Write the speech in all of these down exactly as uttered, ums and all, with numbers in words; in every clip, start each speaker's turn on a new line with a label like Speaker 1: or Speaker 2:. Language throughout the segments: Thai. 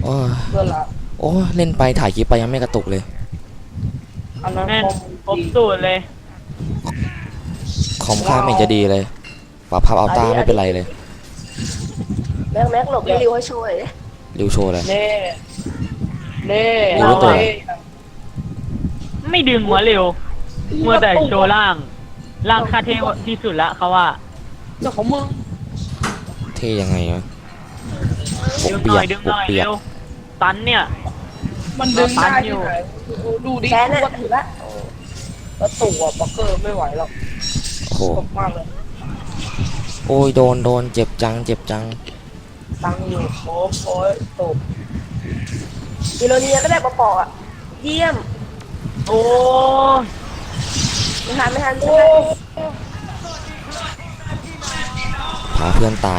Speaker 1: โอ้ย
Speaker 2: เพื่อนละ
Speaker 1: โอ้ยเล่นไปถ่ายคลิปไปยังไม่กระตุกเลย
Speaker 2: อันนั้น
Speaker 3: แม่น
Speaker 2: คอม
Speaker 3: ครบ
Speaker 2: ดี
Speaker 3: สูตรเลย
Speaker 1: คอมค่าไม่เห็นจะดีเลยปรับภาพอัลต้าไม่เป็นไรเลย
Speaker 4: แม็กแม็กหลบให้ริวให้ช่วยดิ
Speaker 1: ริวโชว์เลย
Speaker 2: เน่เน่
Speaker 1: กูรู้ตัว
Speaker 2: เน่
Speaker 3: ไม่ดึงหัวเร็วเมื่อแต่โชว์ล่าง ล่างคาเทที่สุดละเขาว่า
Speaker 2: เจ้าของมึง
Speaker 1: เท่ยังไงวะป
Speaker 3: ดึ
Speaker 1: ก
Speaker 3: งห
Speaker 1: เปี
Speaker 3: น่
Speaker 1: ย
Speaker 3: อก ยดึง
Speaker 1: ป
Speaker 3: ห
Speaker 1: ก
Speaker 3: น่อย
Speaker 1: เปียก
Speaker 3: เร็วตันเนี่ย
Speaker 2: มันดึงได้
Speaker 3: ตันอยู่
Speaker 2: ที่ไหนดูดิ
Speaker 4: แค่
Speaker 2: กู
Speaker 4: นั้น
Speaker 2: ก็ถือละแล้วตัวปักเกอร์ไม่ไหวหรอก
Speaker 1: โอ้โห
Speaker 2: ตกมากเลย
Speaker 1: โอ้ยโดนโดนเจ็บจังเจ็บจัง
Speaker 2: ตังอยู่โอ้โอ้ยตก
Speaker 4: กิโลเนียก็ได้ปอๆอ่ะเยี่ยม
Speaker 3: โอ้
Speaker 4: ไม่ทันไม่ทัน
Speaker 2: โอ้
Speaker 1: พาเพื่อนตาย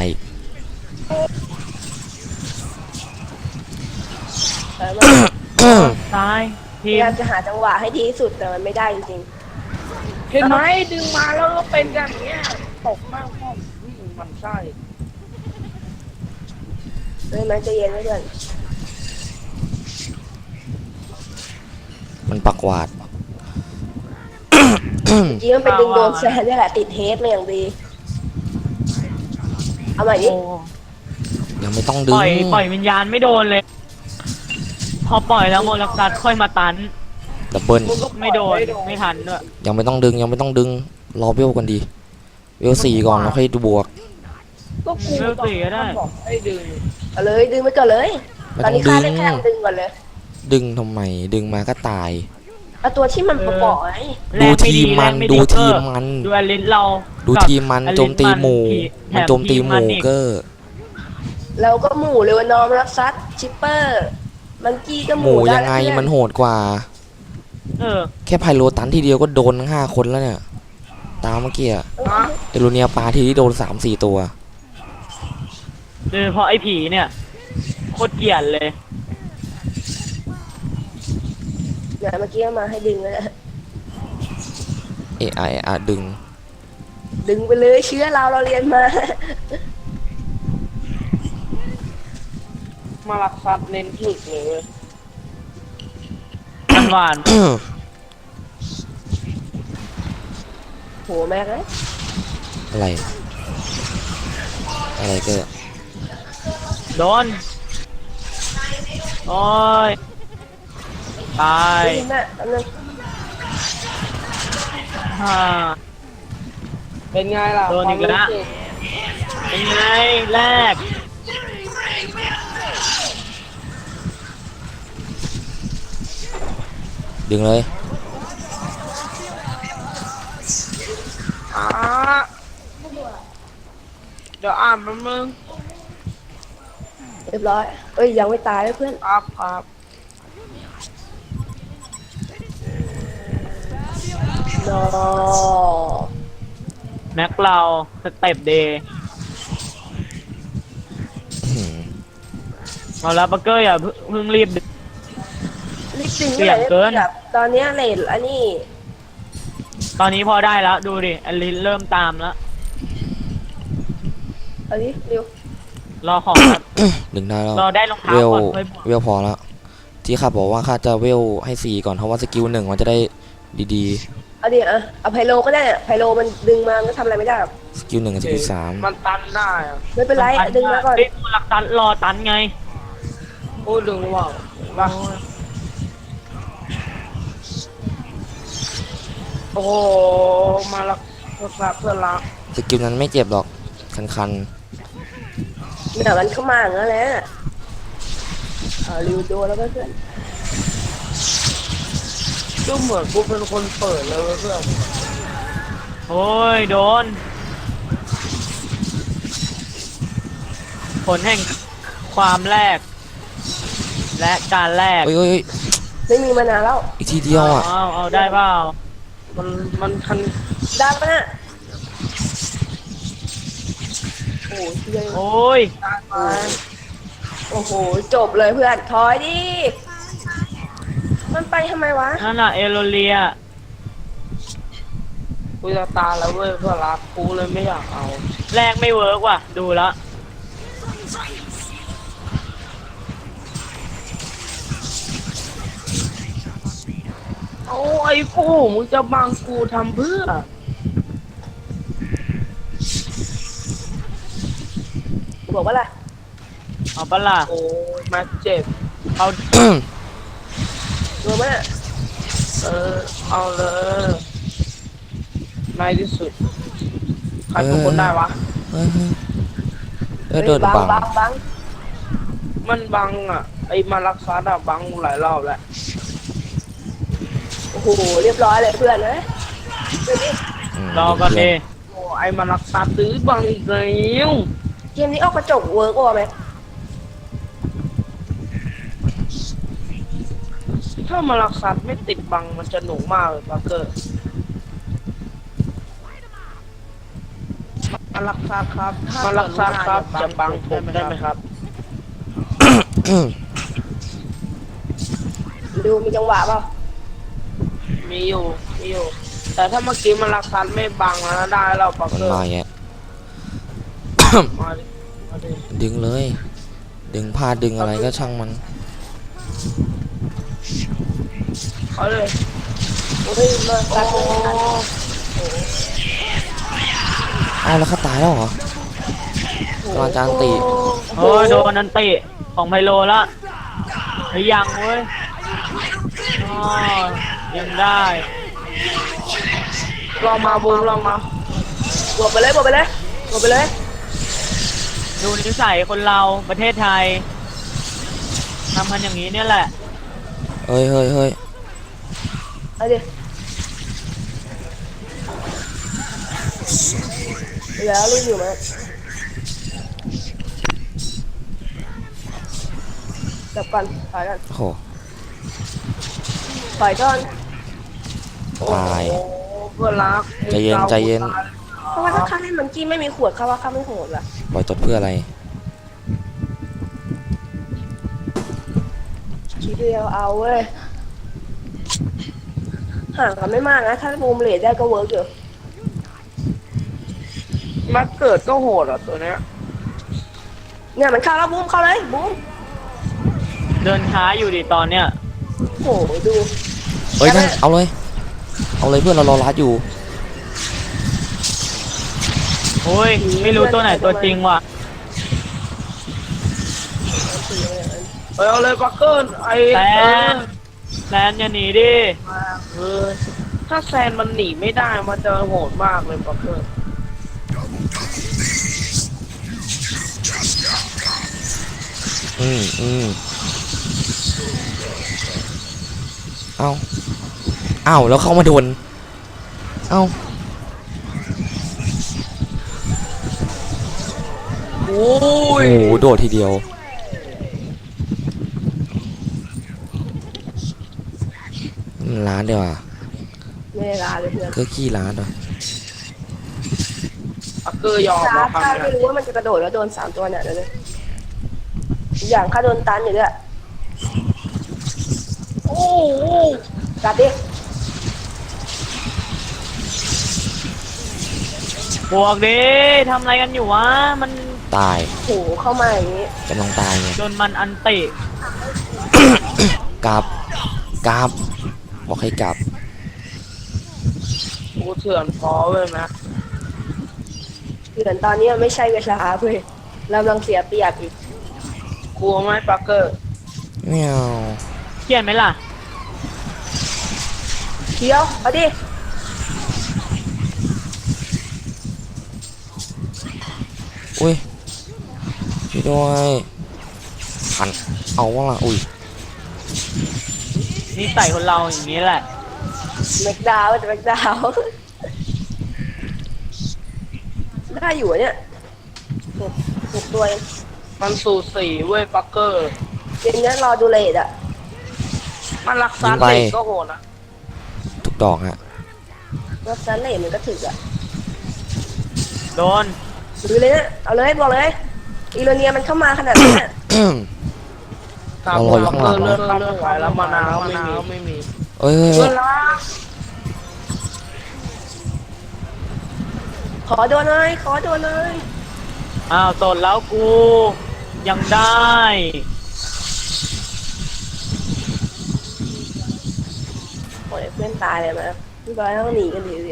Speaker 4: แต่มัน
Speaker 3: ตาย
Speaker 4: พ
Speaker 3: ที
Speaker 4: ยาม ยามจะหาจังหวะให้ดีที่สุดแต่มันไม่ได้จริง
Speaker 2: เห็นไหมดึงมาแล้วก็เป็นกันอย่างเงี้ยตกมากพ่อวิ่งมันไส้
Speaker 4: ๆเลยแม็กใจะเย็นไว้เพื่อน
Speaker 1: มันปักหวาด
Speaker 4: เมื่อกี้มันเป็นดึงโดนแซนนี่แหละติดเฮดมาอย่างดีเอาใหม่ดิ
Speaker 3: โอ้
Speaker 1: ยังไม่ต้องดึ
Speaker 3: ป
Speaker 1: ง
Speaker 3: ล่อยปล่อยวิญญาณไม่โดนเลย พอปล่อยแล้วโมลักซัดค่อยมาตัน
Speaker 1: ดับเบิล
Speaker 2: มึงก็ปล่อย
Speaker 3: ไม่โดนไม่ทันด้วย
Speaker 1: ยังไม่ต้องดึงยังไม่ต้องดึงรอเวลกันดีเวลสี่ก่อนแล้วค่อยดูบวก
Speaker 2: ก็กู
Speaker 3: เลือกสีก็ได้
Speaker 2: บอกให้ดึง
Speaker 4: เอาเลยดึงไปก่อนเลย
Speaker 1: ไม่
Speaker 4: ตอน
Speaker 1: ต้อ
Speaker 4: นี้
Speaker 1: ง
Speaker 4: ค่า
Speaker 1: ดึ
Speaker 4: ได้
Speaker 1: ง
Speaker 4: แค่ดึงก่อนเลย
Speaker 1: ดึงทำไมดึงมาก็ตาย
Speaker 4: เอาตัวที่มันปอๆไอ้
Speaker 3: แร
Speaker 1: ดู
Speaker 3: งไม่
Speaker 1: ทีม
Speaker 3: แร
Speaker 1: มัน
Speaker 3: งไ
Speaker 1: ดูทีม
Speaker 3: เออ
Speaker 1: มัน
Speaker 3: ดูอลิสเรา
Speaker 1: ดู
Speaker 3: กับ
Speaker 1: ทีมมัน
Speaker 3: อลิส
Speaker 1: โจมตีหมู่
Speaker 3: แถ
Speaker 1: มันโจมตีหมู่
Speaker 3: ทีนอี
Speaker 1: เกอร์
Speaker 4: แล้วก็หมู่เลวานอมรับซัดชิปเปอร์มันกี้ก็ห
Speaker 1: ห
Speaker 4: มู่
Speaker 1: มู่
Speaker 4: ได้
Speaker 1: ยังไง
Speaker 4: แล้วเพื่อ
Speaker 1: มันโหดกว่า
Speaker 3: เออ
Speaker 1: แค่ไพโลตันทีเดียวก็โดนทั้งห้าคนแล้วเนี่ย ตามเมื่อกี้อะ
Speaker 4: เออ
Speaker 1: เอโรเนียปาทีที่โดนสามสี่ตัว
Speaker 3: โดยเฉพาะไอ้ผีเนี่ยโคตรเกลียดเลย
Speaker 4: เนี่ยเมื่อกี้มาให้ดึงแล้วนะ
Speaker 1: เอะอะเอะอะดึง
Speaker 4: ดึงไปเลยเชื้อเราเราเรียนมา
Speaker 2: มาลักซัดเน้นถึกเลยเว้ย
Speaker 3: มันหวาน
Speaker 4: โหแม็กเลย
Speaker 1: อะไร อะไรก็
Speaker 3: โดน โอ้ย ตาย
Speaker 4: ดึงน่ะอันนั้น
Speaker 3: ฮ่า
Speaker 2: เป็นไงล่ะ
Speaker 3: โดนอีกแล้ว
Speaker 2: ความรู้สึ
Speaker 3: เป็นไงแรก
Speaker 1: ดึงเลย
Speaker 2: อ่าเดี๋ยวอ่านมันมึง
Speaker 4: เรียบร้อยเอ้ยยังไม่ตายเลยเพื่อน
Speaker 2: ครับครับ
Speaker 4: นอ
Speaker 3: แม็กเราสเต็ปเดย์
Speaker 1: อื้อหือ
Speaker 3: เอาละบักเกอร์อย่าเพิ่งเพิ่งรีบดึง
Speaker 4: รีบดึง
Speaker 3: เสี่ยงเกิน
Speaker 4: แบบตอนเนี้ยเลทอันนี้
Speaker 3: ตอนนี้พอได้แล้ว ดูดิอลิสเริ่มตามแล้ว
Speaker 4: เอันนี้เร็ว
Speaker 3: รอของครับ
Speaker 1: ดึงได้แล้ว
Speaker 3: รอได้รองเท้า
Speaker 1: เวล
Speaker 3: ก่อนค่อยบวก
Speaker 1: เวลพอแล้ว ที่ข้าบอกว่าข้าจะเวลให้สี่ก่อนเพราะว่าสกิลหนึ่งมันจะได้ดี
Speaker 4: เอาดิอ่ะเอาไพโลก็ได้อะไพโลมันดึงมามันก็ทำอะไรไม่ได้หรอก
Speaker 1: ๆ สกิลหนึ่งกับสกิลสาม
Speaker 2: มันตันได้อะ
Speaker 4: ไม่เป็นไรดึงมาก่อน
Speaker 3: เฮ้ยมูลักตันรอตันไง
Speaker 2: โอ้ดึงว่าวว่าโอ้โหมาลักซัดเพื่อนรัก
Speaker 1: สกิลนั้นไม่เจ็บหรอก คัน
Speaker 4: เนี่ยมันเข้ามาอย่างนั้นแหละเอาริวโดนแล้วก็เพื่อน
Speaker 2: ก็เหมือนกูเป็นคนเปิดเลยเว้ยเพื่อน
Speaker 3: โอ้ย โดน ผลแห่งความแรก และการแรก
Speaker 1: ๆเอ้ยเอ้ยเอ้ย
Speaker 4: ไม่มีมานานแล้ว
Speaker 1: อีกทีเดียวอ่ะ
Speaker 3: เอาเอาได้เปล่า
Speaker 2: มันมันทัน
Speaker 4: ได้ปะน่ะโอ้โหเชี่ย
Speaker 3: โอ้ย
Speaker 2: ได้ไหม
Speaker 4: โอ้โหจบเลยเพื่อนถอยดิมันไปทำไมวะ
Speaker 3: นั่นน่ะเอโรเลีย
Speaker 2: กูจะตายแล้วเว้ยเพื่อนรักกูเลยไม่อยากเอา
Speaker 3: แรกไม่เวิร์กว่ะ ดูแล้ว
Speaker 2: เอาไอ้กูมึงจะบังกูทำเพื่อ
Speaker 4: บอกว่าอะไร
Speaker 3: เอาปะล่ะ
Speaker 2: โอ้มาเจ็บ
Speaker 3: เอา
Speaker 4: รู้ไหมเนี่ย
Speaker 2: เออเอาเลยในที่สุดใครเป็นคนได้วะ
Speaker 1: เฮ้ยเฮ้ยเออโดน
Speaker 4: บัง
Speaker 1: บัง
Speaker 4: บังบัง
Speaker 2: มันบังอ่ะไอ้มารักษาดาบังหลายรอบแล้ว
Speaker 4: โอ้โหเรียบร้อยเลยเพื่อนเลยเดี๋ยวนี้
Speaker 1: ม
Speaker 3: รอก่อนดิ
Speaker 2: โอ้ไอ้มารักษาตื้อบังอีกแล้ว
Speaker 4: เกมนี้ออกกระจกเวิร์กว่าไหม
Speaker 2: ถ้ามารักษาไม่ติดบังมันจะหนุกมากเลยบักเกอร์มารักษาครับมารักษาครับจะบังผมได้ไหมครับ
Speaker 4: ดูมีจังหวะเปล่า
Speaker 2: มีอยู่มีอยู่ แต่ถ้าเมื่อกี้มารักษาไม่บังแล้วได้แล้วบัก
Speaker 1: มัน
Speaker 2: เกอร์
Speaker 1: มาแยะ
Speaker 2: มาดิมาดิ
Speaker 1: ดึงเลย ดึงผ้าดึงอะไรก็ช่างมัน
Speaker 2: เอาเลย
Speaker 4: โอ้ยมา
Speaker 2: โอ้
Speaker 4: ตัดเลยตัด
Speaker 1: เอาแล้วเขาตายแล้วเหรอตอนจานตี
Speaker 3: โอ้ยโดนนันติของไพโลละหรือยังเว้ยอ๋อยังได้
Speaker 2: ลองมาบูมลองมา
Speaker 4: บวกไปเลยบวกไปเลยบวกไปเลย
Speaker 3: ดูนิสัยคนเราประเทศไทยทำกันอย่างนี้เนี่ยแหละ
Speaker 1: เฮ้ยเฮ้ยเฮ้ย
Speaker 4: เอาดิแล้วรีบอยู่ไหมจับก่อนถอยก่อน
Speaker 1: โอ้โห
Speaker 4: ถอยก่อน
Speaker 1: ตาย
Speaker 2: โอ้เพื่อนรัก
Speaker 1: ใจเย็นใจเย็น
Speaker 4: เพราะว่าถ้าข้าเล่นมันกี้ไม่มีขวดข้าว่าข้าไม่โหดละ
Speaker 1: ปล่อยตดเพื่ออะไร
Speaker 4: ทีเดียวเอาเว้ยห่างกันไม่มากนะถ้าบูมเลดได้ก็เวิร์กอยู่
Speaker 2: มาเกิดก็โหดอ่ะตัวเนี้ย
Speaker 4: เนี่ยมันเข้าแล้วบูมเข้าเลยบูม
Speaker 3: เดินช้าอยู่ดิตอนเนี้ย
Speaker 4: โหดู
Speaker 1: เอ้ยนั่นเอาเลย เอาเลยเพื่อนเรารอรัดอยู่
Speaker 3: โอ้ยไม่รู้ตัวไหนตัวจริงว่ะ
Speaker 2: เออเอาเลยบักเกอร์ไอ้
Speaker 3: แซ
Speaker 2: เออน
Speaker 3: แซนอย่าหนีดิ
Speaker 2: เออถ้าแซนมันหนีไม่ได้มันจะโหดมากเลยบักเกอร์
Speaker 1: อืมอืมเอาเอาแล้วเข้ามาโดน เอา
Speaker 2: โอ้
Speaker 1: โอ้
Speaker 2: ย
Speaker 1: โหโดดทีเดียวร้านเดียวอ่ะ
Speaker 4: ไม่ได้ลาเลยเพื่อน
Speaker 1: ก็ขี้ร้านเหรอ
Speaker 2: บักเกอร์ยอม
Speaker 4: ช้า
Speaker 2: แล้วค
Speaker 4: ข้า
Speaker 2: รับ
Speaker 4: ไม่รู้ว่ามันจะกระโดดแล้วโดนสามตัวเนี่ยเดี๋ยวเลยอย่างข้าโดนตันอยู่ด้วย
Speaker 2: โอ้โห
Speaker 4: กัดดิ
Speaker 3: บวกดิทำอะไรกันอยู่วะ มัน
Speaker 1: ตาย
Speaker 4: โหเข้ามาอย่างนี้
Speaker 1: กำลังตายไง
Speaker 3: โดนมันอันติ
Speaker 1: กลับกลับบอกให้กลับ
Speaker 2: กูเถื่อนพอเว้ยแม็ก
Speaker 4: เหมือนตอนนี้ไม่ใช่เวลาเพื่อนเรากำลังเสียเปรียบอีก
Speaker 2: กลัวไหมบักเกอร์
Speaker 1: เมียว
Speaker 3: เขียนไหมล่ะ
Speaker 4: เดี๋ยวเอาดิ
Speaker 1: อุ้ยช่วยด้วยหันเอาว่าล่ะอุ้ย
Speaker 3: นิสัยคนเราอย่างนี้แหละ
Speaker 4: แม็กดาวน์จะแม็กดาวน์ได้อยู่อะเนี่ยหกหกตัวเอง
Speaker 2: มันสูสีเว้ยบักเกอร์
Speaker 4: เกมนี้รอดูเลดอะ
Speaker 2: มันรักษาเด็กก็โหดนะ
Speaker 1: ทุกดอกฮะ
Speaker 4: รถซันเลดมันก็ถึกอะ
Speaker 3: โดน
Speaker 4: ดูเลยนะเอาเลยบอกเลยอีโรเนียมันเข้ามาขนาดนี้อะ
Speaker 2: ตามบักเกอร์เลือดข้ามไม่ไหวแล้วมานาวไม่มีไม่มี
Speaker 1: เอ้ยเฮ้ย
Speaker 2: เพื่
Speaker 1: เฮ้
Speaker 2: อย นรัก
Speaker 4: ขอโดนเลยขอโดนเลย
Speaker 3: อ้าวตดแล้วกู ยังได้
Speaker 4: โอ้ยเพื่อนล่นตายเลยมั้ยพี่บอยต้องหนีกันดีสิ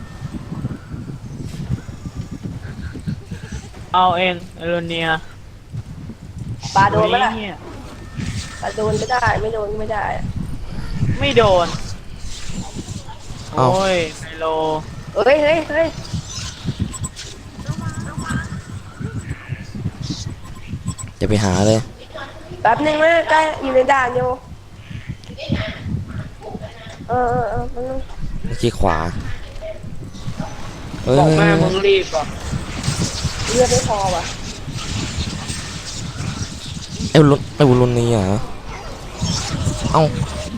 Speaker 3: เอาเองเอโรเนีย
Speaker 4: ปลาโดนไหมล่ะ
Speaker 3: เนี่ย
Speaker 4: ปลาโดนไม่ได้ไม่โดนก็ไม่ได้อะ
Speaker 3: ไม่โดน
Speaker 1: เอ้า
Speaker 3: โอ้ยไมโล
Speaker 4: เฮ้ยเฮ้ยเฮ้ย
Speaker 1: อย่าไปหาเลย
Speaker 4: แป๊บนึงนะใกล้อยู่ในด่านอยู่เออเออเออแป๊บนึง
Speaker 1: เมื่อกี้ขวาเฮ้ย
Speaker 2: บอกแม่
Speaker 1: เฮ้ย
Speaker 2: มึงรีบอ่ะ
Speaker 4: เลือดไม่พอว่ะ
Speaker 1: ไอ้วุ้นไอ้วุ้นรุ่นนี้เหรอเอ้า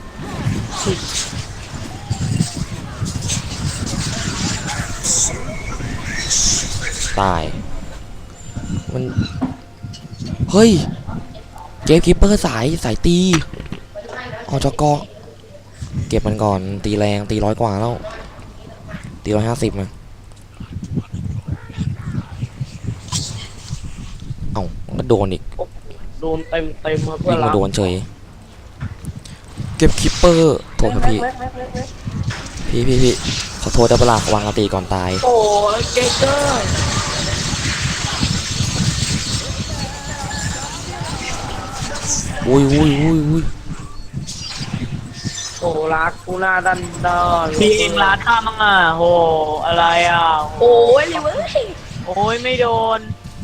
Speaker 1: ตายมันเฮ้ยเกมคิปเปอร์สายสายตีอจกเก็บมันก่อนตีแรงตีร้อยกว่าแล้วตีร้อยห้าสิบนะเอ้าก็โดนอีก
Speaker 2: โดนเต็มเต็มมาเพื่อ
Speaker 1: วิ่
Speaker 2: น
Speaker 1: งมา
Speaker 2: เรา
Speaker 1: โดนเฉยเก็บคิปเปอร์โทษครับพี่
Speaker 4: แม็กแม็กแม็กแม็ก
Speaker 1: พี่พี่พี่ขอโทษได้ปะล่ะวางอาตีก่อนตาย
Speaker 2: โอ้ยเกเกอร์
Speaker 1: อุ้ยอุ้ยอุ้ยอุ้ย
Speaker 2: โอ้รักกูหน้าดันดอน
Speaker 3: พี่เองร้านข้ามั่งอ่ะโหอะไรอ่ะ
Speaker 4: โอ้ยเลยเว้ย
Speaker 3: โอ้ยไม่โดน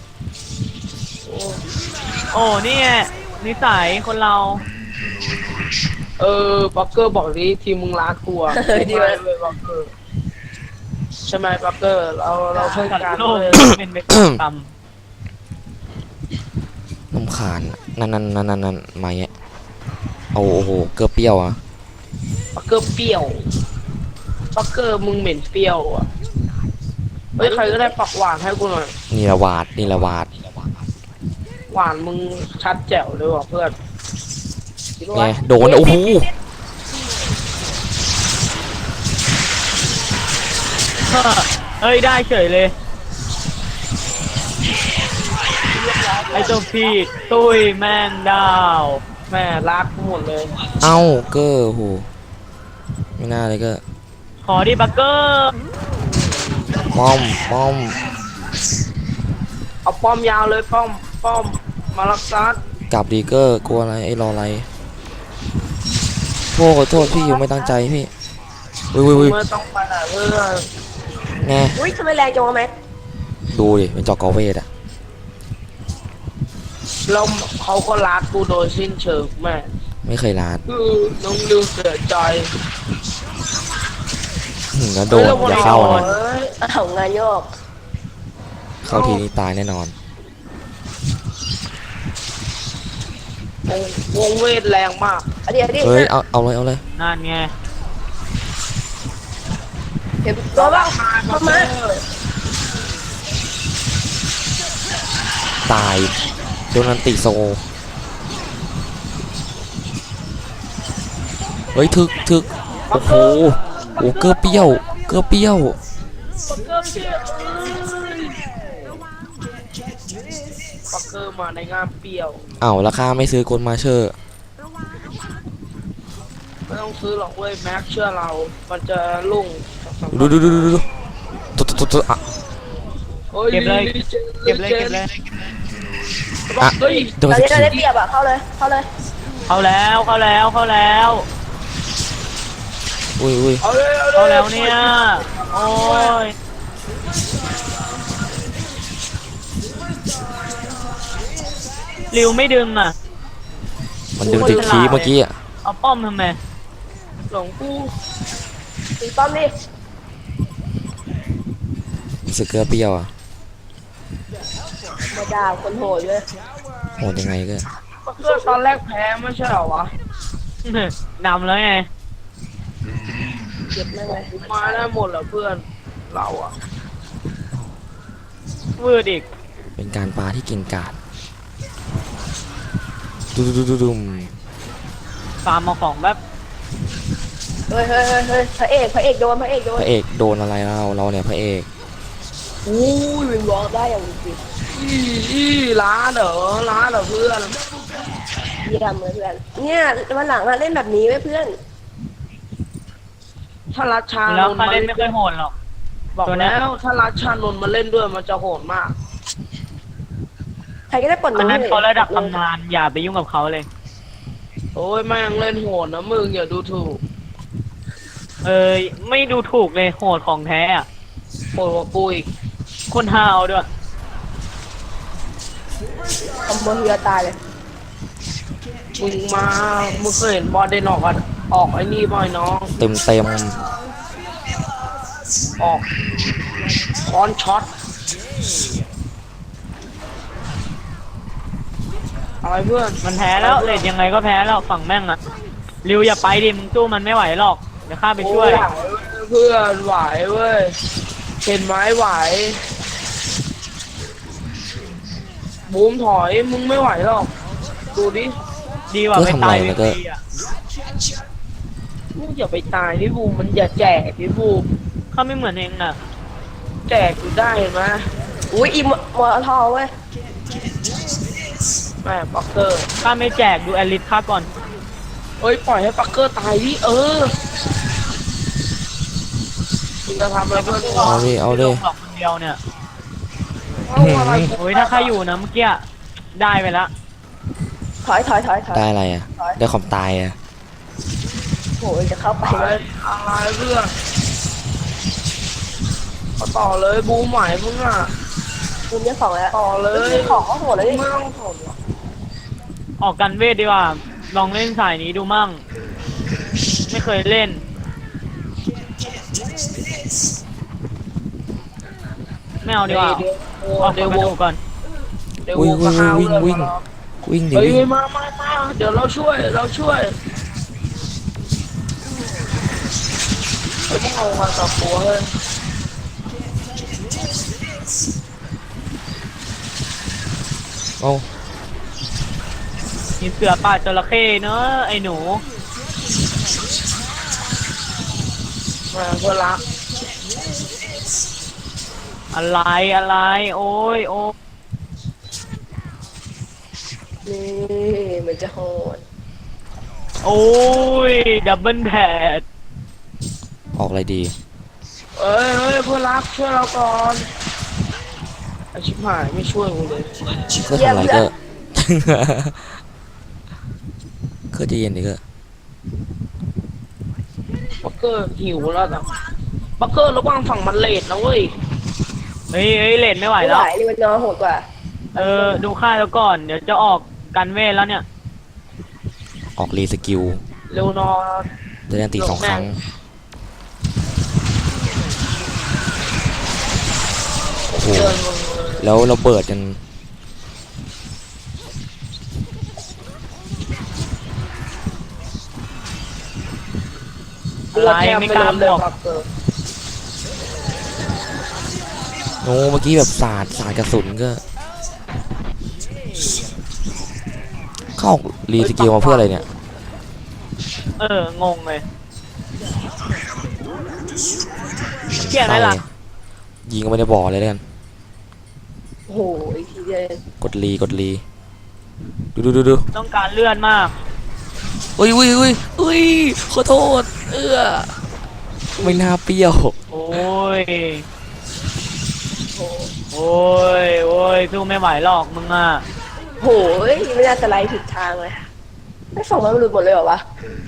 Speaker 3: โอ้นี่ไงนิสัยคนเรา
Speaker 2: เออปักเกอร์บอกดิทีมมึงรักกูอ่ะ
Speaker 4: เออดี
Speaker 2: ไม่
Speaker 4: เว้ย
Speaker 2: เลยปักเกอร์ใช่ไหมปักเกอร์เราเราเพื่อน
Speaker 3: สัต
Speaker 2: กัน
Speaker 3: ว์โลก
Speaker 2: เลย
Speaker 3: เป็นไปตาม
Speaker 1: น้ำขานนั่นนั่นนั่นนั่นนั่นมาเงี้ยเอาโอ้โหเกลือเปรี้ยวอ่ะ
Speaker 2: ปักเกอร์เปรี้ยวปักเกอร์มึงเหม็นเปรี้ยวอ่ะเฮ้ยใครก็ได้ปักหวานให้กูหน่อย
Speaker 1: นี่ละวาดนี่ละวาด
Speaker 2: หวานมึงชัดแจ๋วเลยว่ะเพื่อน
Speaker 1: ไงโดนโอ้โห
Speaker 3: เฮ้ยได้เฉยเลย ไอ้เจ้าพี่ตุ้ยแม่งดาว
Speaker 2: แม่รักกูหมดเลย
Speaker 1: เอ้าเกอร์โอ้โหไม่น่าเลยก็
Speaker 3: ขอดิบักเกอร์
Speaker 1: ป้อมป้อม
Speaker 2: เอาป้อมยาวเลยป้อมป้อมมารักษาก
Speaker 1: ลับดีเกอร์กลัวอะไรไอ้รออะไรโทษขอโทษพี่อยู่ไม่ตั้งใจพี่วิววิววิว
Speaker 2: ไม่ต้องไปไหนเพื่อน
Speaker 1: ไง
Speaker 4: อุ้ยทำไมแรงจังวะแม็ก
Speaker 1: ดูดิเป็นจอกอเวทอะ
Speaker 2: เราเขาก็รักกูโดยสิ้นเชิงแม่
Speaker 1: ไม่เคยลาด
Speaker 2: คือน้องลิวเสียใจ
Speaker 1: หึงแล้วโดนอย่าเข้านะ
Speaker 2: เอ้ย
Speaker 4: อ้าวงานโยก
Speaker 1: เข้าทีนี้ตายแน่นอน
Speaker 2: วงวงเวทแรงมาก
Speaker 4: เอาดี๋ยวดิ
Speaker 1: เฮ้ยเอาเอาเลยเอาเลย
Speaker 3: นั่นไง
Speaker 4: เห็นตัวบ้างเข้ามา
Speaker 1: ตายโดนอันติโซเฮ้ยถึกถึกโอ้โหโอ้เกลือเปรี้ยวเกลือเปรี้ยว
Speaker 2: ปักเกอร์มาในงานเปรี้ยว
Speaker 1: เอ้าราคาไม่ซื้อกลมาเชอร์
Speaker 2: ไม่ต้องซื้อหรอกเว้ยแม็กเชื่อเรา มันจะลุ่ง
Speaker 1: ดูดูดูดูดูตุ๊ดตุ๊ดตุ๊ดอ่ะ
Speaker 2: ฮ้ย
Speaker 3: เก็บเลย
Speaker 2: ลิจน
Speaker 3: เก็บเลยเก็บเลย
Speaker 1: อ่ะ
Speaker 2: เฮ้ย
Speaker 1: โดน
Speaker 4: ตอน
Speaker 1: ส
Speaker 4: นี้เรา
Speaker 1: กิ
Speaker 4: ได้
Speaker 1: ล
Speaker 4: เปรียบอ่ะเข้าเลยเข้าเลย
Speaker 3: เข้าแล้วเข้าแล้วเข้าแล้ว
Speaker 1: อุ้ยอุ้ย
Speaker 2: เอาเลยเอาเลย
Speaker 3: เข้าแล้วเนี่ยโอ้ยริวไม่ดึงอ่ะ
Speaker 1: มันดึงติดคีย์เมื่อกี้อ่ะ
Speaker 3: เอาป้อมทำไม
Speaker 2: หลงกู
Speaker 4: ตีป้อมดิ
Speaker 1: รู้สึกเกลือเปรี้ยวอ่ะ
Speaker 4: มาด่าคนโหดเลย
Speaker 1: โหดยังไงก็
Speaker 2: ปักเกอร์ตอนแรกแพ้ไม่ใช่เหรอวะ
Speaker 3: นำแล้วไง
Speaker 4: เจ็บมากเลย
Speaker 2: มาได้หมดเหรอเพื่อนเราอะ
Speaker 3: วืดอีก
Speaker 1: เป็นการปาที่เก่งกาจดูดูดูดูดู
Speaker 3: ฟาร์มมาของแบบ
Speaker 4: เฮ้ยเฮ้ยเฮ้ยเฮ้ยพระเอกพระเอกโดนพระเอกโดน
Speaker 1: พระเอกโดนอะไรเราเราเนี่ยพระเอก
Speaker 4: อู้ยวิงวอล์กได้อย่างจริง
Speaker 2: อีอีร้านเหรอร้านเหรอเพื่อน
Speaker 4: เยี่ยมเลยเพื่อนเนี่ยวันหลังอะเล่นแบบนี้ไว้เพื่อน
Speaker 2: ถ้ารัชชา
Speaker 3: แล้ว
Speaker 2: นนท์
Speaker 3: คา
Speaker 2: มา
Speaker 3: เล่
Speaker 2: เล่
Speaker 3: น
Speaker 2: น
Speaker 3: ไม่ค่อยโหดหรอก
Speaker 2: บอก
Speaker 3: ตัวเนี้ย
Speaker 2: แล้วถ้ารัชชานนท์มาเล่นด้วยมันจะโหดมาก
Speaker 4: ใครก็ได้ปลด
Speaker 3: อัน
Speaker 4: มือ
Speaker 3: นั้นเขาระดับตำนานอย่าไปยุ่งกับเขาเลย
Speaker 2: โอ้ยแม่งเล่นโหดนะมึงอย่าดูถูก
Speaker 3: เอ้ยไม่ดูถูกเลยโหดของแท้อะ
Speaker 2: โหดกว่ากูอีก
Speaker 3: คนฮาวด้วย
Speaker 4: คอมโบเฮียตายเลย
Speaker 2: มึงมามึงเคยเห็นบอลเดนออกกันออกไอ้นี่บ่อยน้อง
Speaker 1: เต็มเต็ม
Speaker 2: ออกคอนช็อตอะไรเพื่อน
Speaker 3: มันแพ้แล้วเลดยังไงก็แพ้แล้วฝั่งแม่งอะริวอย่าไปดิมึงสู้มันไม่ไหวหรอกเดี๋ยวข้าไปช่วย
Speaker 2: โอ้เพื่อนไหวเว้ยเห็นไหมไหวบูมถอยมึงไม่ไหวหรอกดูดิ
Speaker 3: ดีกว่าไปตายฟรีๆอะ
Speaker 2: มึงอย่าไปตายพี่บูมมันอย่าแจกพี่บูม
Speaker 3: ข้าไม่เหมือนเองน่ะ
Speaker 2: แจกอยู่ได้เห็นไหม
Speaker 4: อุ้ยอีมมอทอเว้ย
Speaker 2: แม่ปักเกอร์
Speaker 3: ข้าไม่แจกดูแอลิสข้าก่อน
Speaker 2: เอ้ยปล่อยให้ปักเกอร์ตายดิเออมึงจะทำอะไรเพื่อน
Speaker 1: ๆเอาดิเอาดิ
Speaker 3: ลงหลอกคนเดียวเนี่ย
Speaker 2: เอาอะไร
Speaker 3: โอ้ยถ้าข้าอยู่นะเมื่อกี้ได้ไปละ
Speaker 4: ถอยถอยถอยถอย
Speaker 1: ได้อะไรอ่ะ ได้ความตายอ่ะ
Speaker 4: โหจะเข้าไป
Speaker 2: อะไร
Speaker 4: เลย
Speaker 2: อะไรเพื่อนก็ต่อเลยบูมไหวมึงอ่ะ
Speaker 4: มุมเนี้ยของแล้ว
Speaker 2: ต่อเลย
Speaker 4: ของก็โหดเลยดิ
Speaker 2: ไม่ต้องทนหรอก
Speaker 3: ออกกันเวทดีกว่า ลองเล่นสายนี้ดูมั่ง ไม่เคยเล่น ไม่เอาดีกว่า
Speaker 2: เดี๋ยว
Speaker 3: ออก
Speaker 2: เดี๋ยว
Speaker 3: กระ
Speaker 2: ว
Speaker 3: ดู
Speaker 2: ง
Speaker 3: กก่อน
Speaker 2: เดี๋ยว
Speaker 1: วิ่
Speaker 2: ว
Speaker 1: ง
Speaker 2: งก็ห้าว
Speaker 1: วิ่ง
Speaker 2: เลย
Speaker 1: วิ่ง วิ่งดิ
Speaker 2: เฮ้ย
Speaker 1: วิ่ง
Speaker 2: มามามาเดี๋ยวเราช่วยเราช่วยไม่ต้องเอามาต่อตัวเลย
Speaker 1: เอา
Speaker 3: มีเสือป่าจระเข้เนอะไอ้หนู
Speaker 2: มาเพื่อนรัก
Speaker 3: อะไรอะไร โอ้ยโอ้ย
Speaker 4: นี่มันจะโหด
Speaker 3: โอ้ยดับเบิลแพด
Speaker 1: ออกอะไรดี
Speaker 2: เอ้ยเอ้ยเพื่อนรักช่วยเราก่อนไอชิบหายไม่ช่วยกูเลย
Speaker 1: ก็ทำอะไรก็ ก็ใจะเย็นดิก็
Speaker 2: บักเกอร์หิวแล้วแต่บักเกอร์ระวังฝั่งมันเลดนะเว้ย
Speaker 3: เฮ้ยเฮ้ยเลนไม่ไหว
Speaker 4: ไม่
Speaker 3: แล้
Speaker 4: ไห
Speaker 3: ว
Speaker 4: วนี่มันนอโหดกว่า
Speaker 3: เออ ดูค่าแล้วก่อน เดี๋ยวจะออกกันเวทแล้วเนี่ย
Speaker 1: ออกรีสกิล
Speaker 2: เร็วนอน
Speaker 1: จะได้ตีสองครั้ง โอ้โห
Speaker 2: เดินมึงเลย
Speaker 1: แล้วเราเบิดกัน
Speaker 3: อะไรไม่กล้าบวก
Speaker 2: บักเกอร์
Speaker 1: โอ้เมื่อกี้แบบสาดสาดกระสุนก็ เข้าออกรีสกิลมาเพื่ออะไรเนี่ย
Speaker 3: เออ งงเลยเกี่ยไหมล่ะ
Speaker 1: ยิงก็ไม่ได้บอกเลยแล้วกัน
Speaker 4: โอ้โหอีกทีเดียว
Speaker 1: กดรีกดรีดูดูดูดู
Speaker 3: ต้องการเลื่อนมาก
Speaker 1: อุ้ยอุ้ยอุ้ยอุ้ยขอโทษ เอื้อไม่น่าเปรี้ยว
Speaker 3: โอ้ย โอ้ย โอ้ย สู้ไม่ไหวหรอกมึงอ่ะ
Speaker 4: โหยไม่น่าจะไล่ผิดทางเลยไม่ส่งมาหลุดหมดเลยเหรอวะ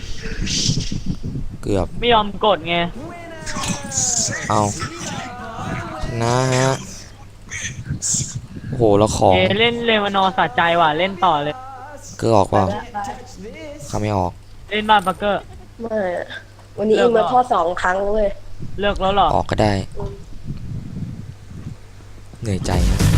Speaker 1: เกือบ
Speaker 3: ไม่ยอมกดไง
Speaker 1: เอาชนะฮะ โอ้โห แล้วของ
Speaker 3: เอเล่นเลวานอร์สะใจว่ะ เล่นต่อเลย
Speaker 1: เกือออกเปล่าเขาไม่ออก
Speaker 3: เล่นบ้านปักเกอร์
Speaker 4: ไม่อะวันนี้อิงมาข้อสองครั้งเลย
Speaker 3: เลิกแล้วเหรอ
Speaker 1: ออกก็ได้ เหนื่อยใจนะ